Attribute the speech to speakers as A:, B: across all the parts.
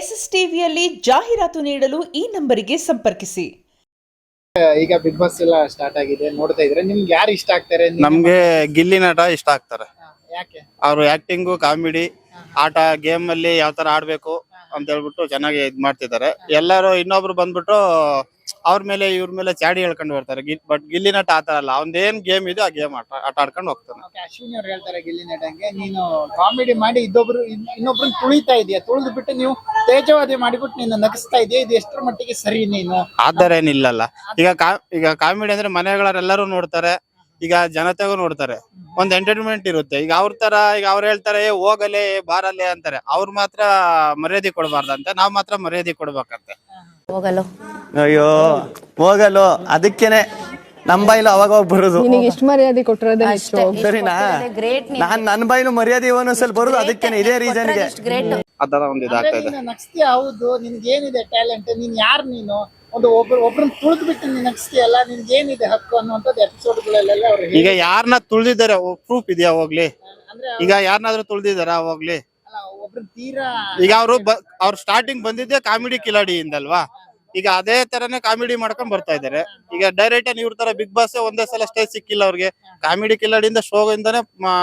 A: S S ಟಿವಿಯಲ್ಲಿ ಜಾಹೀರಾತು ನೀಡಲು ಈ ನಂಬರಿಗೆ ಸಂಪರ್ಕಿಸಿ.
B: ಈಗ ಬಿಗ್ ಬಾಸ್ ಎಲ್ಲ ಸ್ಟಾರ್ಟ್ ಆಗಿದೆ, ನೋಡ್ತಾ ಇದ್ರೆ ನಿಮ್ಗೆ ಯಾರು ಇಷ್ಟ ಆಗ್ತಾರೆ?
C: ನಮ್ಗೆ ಗಿಲ್ಲಿ ನಟ ಇಷ್ಟ ಆಗ್ತಾರೆ.
B: ಯಾಕೆ?
C: ಅವ್ರು ಆಕ್ಟಿಂಗು, ಕಾಮಿಡಿ, ಆಟ, ಗೇಮ್ ಅಲ್ಲಿ ಯಾವ ತರ ಆಡ್ಬೇಕು ಅಂತ ಹೇಳ್ಬಿಟ್ಟು ಚೆನ್ನಾಗಿ ಇದ್ ಮಾಡ್ತಿದ್ದಾರೆ. ಎಲ್ಲರೂ ಇನ್ನೊಬ್ರು ಬಂದ್ಬಿಟ್ಟು ಅವ್ರ ಮೇಲೆ ಇವ್ರ ಮೇಲೆ ಚಾಡಿ ಹೇಳ್ಕೊಂಡು ಬರ್ತಾರೆ. ಬಟ್ ಗಿಲ್ಲಿ ನಟ ಆತರ ಅಲ್ಲ, ಅವ್ನ್ದೇನ್ ಗೇಮ್ ಇದೆ ಆ ಗೇಮ್ ಆಟ ಆಡ್ಕೊಂಡು ಹೋಗ್ತಾನೆ.
B: ಅಶ್ವಿನಿ ಅವ್ರು ಹೇಳ್ತಾರೆ ಗಿಲ್ಲಿ ನಟಂಗೆ, ನೀನು ಕಾಮಿಡಿ ಮಾಡಿ ಇನ್ನೊಬ್ರನ್ನ ತುಳಿತಾ ಇದೀಯ, ತುಳಿದು ಬಿಟ್ಟು ನೀವು ತೇಜವಾದಿ ಮಾಡಿಬಿಟ್ಟು ನೀನು ನಗಿಸ್ತಾ ಇದೆಯಾ, ಇದು ಎಷ್ಟರ ಮಟ್ಟಿಗೆ ಸರಿ? ನೀನು
C: ಆತರ ಏನಿಲ್ಲಲ್ಲ. ಈಗ ಕಾಮಿಡಿ ಅಂದ್ರೆ ಮನೆಗಳರೆಲ್ಲರೂ ನೋಡ್ತಾರೆ, ಈಗ ಜನತೆಗೂ ನೋಡ್ತಾರೆ, ಒಂದ್ ಎಂಟರ್ಟೈನ್ಮೆಂಟ್ ಇರುತ್ತೆ. ಈಗ ಅವ್ರ ತರ ಈಗ ಅವ್ರು ಹೇಳ್ತಾರೆ ಹೋಗಲೆ ಬಾರಲೆ ಅಂತಾರೆ, ಅವ್ರು ಮಾತ್ರ ಮರ್ಯಾದೆ ಕೊಡ್ಬಾರ್ದಂತೆ, ನಾವ್ ಮಾತ್ರ ಮರ್ಯಾದೆ ಕೊಡ್ಬೇಕಂತೆ.
D: ಹೋಗಲು
E: ಅಯ್ಯೋ ಹೋಗಲು, ಅದಕ್ಕೇನೆ ನಮ್ ಬಾಯಿಲು ಅವಾಗ ಹೋಗಿ ಬರುದು.
F: ನಿನಗೆ ಎಷ್ಟು ಮರ್ಯಾದೆ ಕೊಟ್ಟಿರೋದೇ ಹೆಚ್ಚು,
E: ಸರಿನಾ? ನಾನ್ ನನ್ ಬಾಯಿಲು ಮರ್ಯಾದೆ ಒಂದೊಂದ್ಸಲ ಬರುದು, ಅದಕ್ಕೇನೆ, ಇದೇ ರೀಸನ್ಗೆ
C: ಅದರ ಒಂದು ಇದಾಗ್ತಾ ಇದೆ.
B: ನಗಿಸ್ತೀಯ, ಹೌದು, ನಿನ್ಗೆ ಏನಿದೆ ಟ್ಯಾಲೆಂಟ್, ನೀನ್ ಯಾರು? ನೀನು ಒಬ್ರನ್ನ ತುಳಿದು ಬಿಟ್ಟು ನೀನ್ ನಗಿಸ್ತೀಯಲ್ಲ, ನಿನ್ಗೆ ಏನಿದೆ ಹಕ್ಕು ಅನ್ನುವಂಥದ್ದು ಎಪಿಸೋಡ್ಗಳಲ್ಲೆಲ್ಲ ಅವ್ರು
C: ಈಗ ಯಾರನ್ನ ತುಳ್ದಿದ್ದಾರೆ ಪ್ರೂಫ್ ಇದೆಯಾ ಹೋಗ್ಲಿ? ಈಗ ಯಾರನ್ನಾದ್ರೂ ತುಳ್ದಿದಾರ ಹೋಗ್ಲಿ?
B: ಒಬ್ರನ್ನ ತೀರಾ
C: ಈಗ ಅವ್ರು ಸ್ಟಾರ್ಟಿಂಗ್ ಬಂದಿದ್ದೆ ಕಾಮಿಡಿ ಕಿಲಾಡಿಯಿಂದಲ್ವಾ? ಈಗ ಅದೇ ತರನೇ ಕಾಮಿಡಿ ಮಾಡ್ಕೊಂಡ್ ಬರ್ತಾ ಇದಾರೆ. ಈಗ ಡೈರೆಕ್ಟ್ ಇವ್ರ ತರ ಬಿಗ್ ಬಾಸ್ ಒಂದೇ ಸಲ ಸ್ಟೇಜ್ ಸಿಕ್ಕಿಲ್ಲ ಅವ್ರಿಗೆ. ಕಾಮಿಡಿ ಕಿಲಾಡಿಯಿಂದ ಶೋ ಇಂದಾನೆ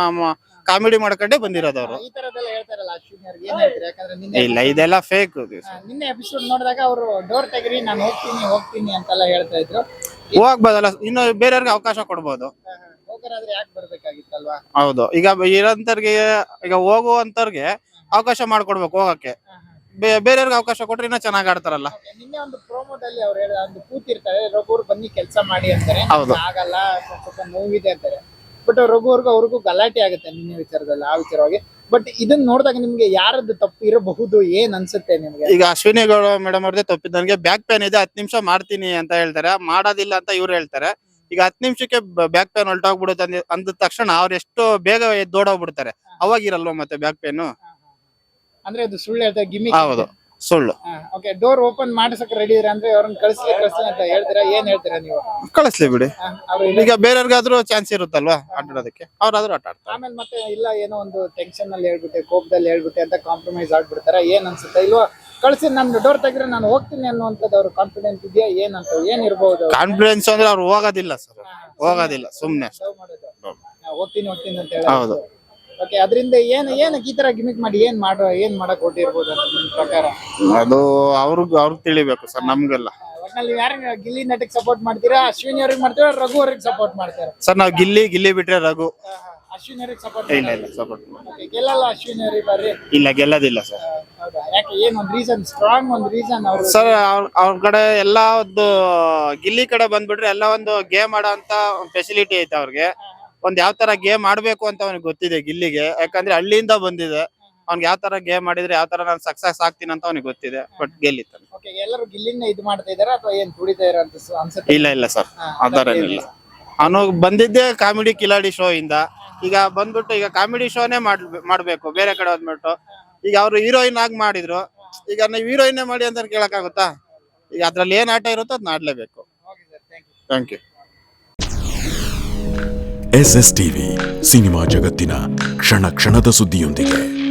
C: ಕಾಮಿಡಿ ಮಾಡ್ಕೊಂಡೇ ಬಂದಿರೋದು ಅವರು.
B: ಈ ತರದೆಲ್ಲ ಹೇಳ್ತಾರಲ್ಲ ಅಶ್ವಿನಿ ಅವ್ರಿಗೆ, ಏನ್ ಹೇಳ್ತಾರೆ? ಯಾಕಂದ್ರೆ
C: ಇಲ್ಲ, ಇದೆಲ್ಲ ಫೇಕ್.
B: ನಿನ್ನೆ ಎಪಿಸೋಡ್ ನೋಡಿದಾಗ ಅವರು ಡೋರ್ ತೆಗಿರಿ, ನಾನು ಹೋಗ್ತೀನಿ ಅಂತೆಲ್ಲ ಹೇಳ್ತಾ ಇದ್ರು.
C: ಹೋಗ್ಬೋದಲ್ಲ, ಇನ್ನು ಬೇರೆಯವ್ರಿಗೆ ಅವಕಾಶ ಕೊಡ್ಬೋದು.
B: ಹೋಗರಾದ್ರೆ ಯಾಕೆ ಬರ್ಬೇಕಾಗಿತ್ತಲ್ವಾ?
C: ಹೌದು, ಈಗ ಇರೋಂತರ್ಗೆ, ಈಗ ಹೋಗುವಂತವ್ರಿಗೆ ಅವಕಾಶ ಮಾಡ್ಕೊಡ್ಬೇಕು ಹೋಗಕ್ಕೆ. ಬೇರೆಯವ್ರಿಗೆ ಅವಕಾಶ ಕೊಟ್ರೆ ಇನ್ನೂ ಚೆನ್ನಾಗಿ ಆಡ್ತಾರಲ್ಲ.
B: ನಿನ್ನೆ ಒಂದು ಪ್ರೋಮೋದಲ್ಲಿ ಅವ್ರು ಹೇಳಿದ, ಒಂದು ಕೂತಿರ್ತಾರೆ, ರಘುವ್ರು ಬನ್ನಿ ಕೆಲಸ ಮಾಡಿ ಅಂತಾರೆ, ಆಗಲ್ಲ, ಸ್ವಲ್ಪ ನೋವಿದೆ ಅಂತಾರೆ. ಬಟ್ ಅವ್ರಿಗೂ ಗಲಾಟೆ ಆಗುತ್ತೆ ನಿನ್ನೆ ವಿಚಾರದಲ್ಲಿ, ಆ ವಿಚಾರವಾಗಿ. ಬಟ್ ಇದನ್ನ ನೋಡಿದಾಗ ನಿಮ್ಗೆ ಯಾರದ್ದು ತಪ್ಪು ಇರಬಹುದು, ಏನ್ ಅನ್ಸುತ್ತೆ ನಿಮ್ಗೆ?
C: ಈಗ ಅಶ್ವಿನಿ ಗೌಡ ಮೇಡಮ್ ಅವ್ರದೇ ತಪ್ಪಿದ್ದು. ನನಗೆ ಬ್ಯಾಕ್ ಪೇನ್ ಇದೆ, 10 ನಿಮಿಷ ಮಾಡ್ತೀನಿ ಅಂತ ಹೇಳ್ತಾರೆ, ಮಾಡೋದಿಲ್ಲ ಅಂತ ಇವ್ರು ಹೇಳ್ತಾರೆ. ಈಗ 10 ನಿಮಿಷಕ್ಕೆ ಬ್ಯಾಕ್ ಪೇನ್ ಹೊಲ್ಟೋಗ್ಬಿಡುತ್ತೆ ಅಂದ ತಕ್ಷಣ ಅವ್ರು ಎಷ್ಟು ಬೇಗ ಎದ್ದೋಡೋಗ್ಬಿಡ್ತಾರೆ, ಅವಾಗಿರಲ್ವ ಮತ್ತೆ ಬ್ಯಾಕ್ ಪೇನ್?
B: ಅಂದ್ರೆ ಅದು ಸುಳ್ಳು ಹೇಳ್ತಾರೆ, ಗಿಮ್ಮಿ.
C: ಹೌದು, ಸುಳ್ಳು.
B: ಓಕೆ, ಡೋರ್ ಓಪನ್ ಮಾಡಿಸಕ್ ರೆಡಿ ಇದ್ರೆ ಅಂದ್ರೆ ಅವ್ರನ್ನ ಕಳಿಸ್ಲಿ ಅಂತ ಹೇಳ್ತೀರಾ? ಏನ್ ಹೇಳ್ತೀರಾ ನೀವು?
C: ಕಳಿಸ್ಲಿ ಬಿಡಿ, ಈಗ ಬೇರೆಯವ್ರಿಗಾದ್ರೂ ಚಾನ್ಸ್ ಇರುತ್ತಲ್ವಾ ಆಟಾಡೋದಕ್ಕೆ, ಅವ್ರಾದ್ರೂ ಆಟ ಆಡ್ತಾರೆ.
B: ಆಮೇಲೆ ಮತ್ತೆ ಇಲ್ಲ, ಏನೋ ಒಂದು ಟೆನ್ಷನ್ ಅಲ್ಲಿ ಹೇಳ್ಬಿಟ್ಟೆ, ಕೋಪದಲ್ಲಿ ಹೇಳ್ಬಿಟ್ಟೆ ಅಂತ ಕಾಂಪ್ರಮೈಸ್ ಆಗ್ಬಿಡ್ತಾರ, ಏನ್ ಅನ್ಸುತ್ತೆ? ಇಲ್ವಾ ಕಳ್ಸಿ, ನಾನು ಡೋರ್ ತೆಗ್ರೆ ನಾನು ಹೋಗ್ತೀನಿ ಅನ್ನುವಂಥದ್ದು ಅವ್ರ ಕಾನ್ಫಿಡೆನ್ಸ್ ಇದೆಯಾ? ಏನಂತ ಏನ್ ಇರ್ಬೋದು?
C: ಕಾನ್ಫಿಡೆನ್ಸ್ ಅಂದ್ರೆ ಅವ್ರು ಹೋಗೋದಿಲ್ಲ ಸರ್, ಹೋಗೋದಿಲ್ಲ, ಸುಮ್ನೆ
B: ಹೋಗ್ತೀನಿ ಅಂತ ಹೇಳಿ. ಹೌದು. ಓಕೆ, ಅದರಿಂದ ಏನ್ ಈ ತರ ಗಿಮಿಕ್ ಮಾಡಿ ಏನ್ ಮಾಡಕ್ ಹೊಟ್ಟಿರ್ಬೋದು ಅಂತ ನಿಮ್ ಪ್ರಕಾರ?
C: ಅದು ಅವ್ರಿಗೆ ತಿಳಿಬೇಕು ಸರ್, ನಮ್ಗೆಲ್ಲ.
B: ಒಟ್ನಲ್ಲಿ ಯಾರು ಗಿಲ್ಲಿ ನಟಕ್ಕೆ ಸಪೋರ್ಟ್ ಮಾಡ್ತೀರಾ? ಅಶ್ವಿನಿ ಅವ್ರಿಗೆ ಮಾಡ್ತೀರಾ, ರಘು ಅವ್ರಿಗೆ ಸಪೋರ್ಟ್ ಮಾಡ್ತೀರಾ?
C: ಸರ್ ನಾವು ಗಿಲ್ಲಿ ಬಿಟ್ರೆ ರಘು.
B: ಅಶ್ವಿನಿ ಅವ್ರಿಗೆ ಸಪೋರ್ಟ್
C: ಇಲ್ಲ ಸಪೋರ್ಟ್
B: ಗೆಲ್ಲಲ್ಲ ಅಶ್ವಿನಿ ಅವ್ರಿಗೆ ಬರ್ರಿ?
C: ಇಲ್ಲ, ಗೆಲ್ಲೋದಿಲ್ಲ ಸರ್.
B: ಹೌದಾ? ಯಾಕೆ? ಏನ್ ಒಂದು ರೀಸನ್, ಸ್ಟ್ರಾಂಗ್ ಒಂದು ರೀಸನ್ ಅವ್ರು?
C: ಸರ್ ಅವ್ರ ಕಡೆ ಎಲ್ಲ ಒಂದು ಗಿಲ್ಲಿ ಕಡೆ ಬಂದ್ಬಿಟ್ರೆ ಎಲ್ಲ ಒಂದು ಗೇಮ್ ಆಡೋ ಅಂತ ಫೆಸಿಲಿಟಿ ಐತೆ ಅವ್ರಿಗೆ. ಒಂದ್ ಯಾವ ತರ ಗೇಮ್ ಆಡ್ಬೇಕು ಅಂತ ಅವ್ನಿಗೆ ಗೊತ್ತಿದೆ ಗಿಲ್ಲಿಗೆ, ಯಾಕಂದ್ರೆ ಹಳ್ಳಿಯಿಂದ ಬಂದಿದೆ. ಅವ್ನಿಗೆ ಯಾವ ತರ ಗೇಮ್ ಮಾಡಿದ್ರೆ ಯಾವ ತರ ನಾನು ಸಕ್ಸಸ್ ಆಗ್ತೀನಿ ಅಂತ ಅವ್ನಿಗೆ ಗೊತ್ತಿದೆ. ಬಟ್ ಗೆಲ್ಲಿತಾನೆ.
B: ಎಲ್ಲರೂ ಗಿಲ್ಲಿನ ಇದು ಮಾಡ್ತಾ ಇದಾರ ಅಥವಾ ಏನ್ ತುಡಿತಾ ಇದಾರ ಅಂತ ಅನ್ಸುತ್ತೆ?
C: ಇಲ್ಲ ಸರ್, ಅದರೇನಿಲ್ಲ. ಅವನು ಬಂದಿದ್ದೆ ಕಾಮಿಡಿ ಕಿಲಾಡಿ ಶೋ ಇಂದ. ಈಗ ಬಂದ್ಬಿಟ್ಟು ಈಗ ಕಾಮಿಡಿ ಶೋನೇ ಮಾಡ್ಬೇಕು ಬೇರೆ ಕಡೆ ಹೋದ್ಬಿಟ್ಟು. ಈಗ ಅವ್ರು ಹೀರೋಯಿನ್ ಆಗಿ ಮಾಡಿದ್ರು, ಈಗ ನೀವು ಹೀರೋಯಿನ್ ಮಾಡಿ ಅಂತ ಕೇಳಕ್ಕಾಗುತ್ತಾ? ಈಗ ಅದ್ರಲ್ಲಿ ಏನ್ ಆಟ ಇರುತ್ತೋ ಅದ್ನ ಆಡ್ಲೇಬೇಕು. Thank you.
G: SS TV, cinema ಜಗತ್ತಿನ ಕ್ಷಣ ಕ್ಷಣದ ಸುದ್ದಿಯೊಂದಿಗೆ.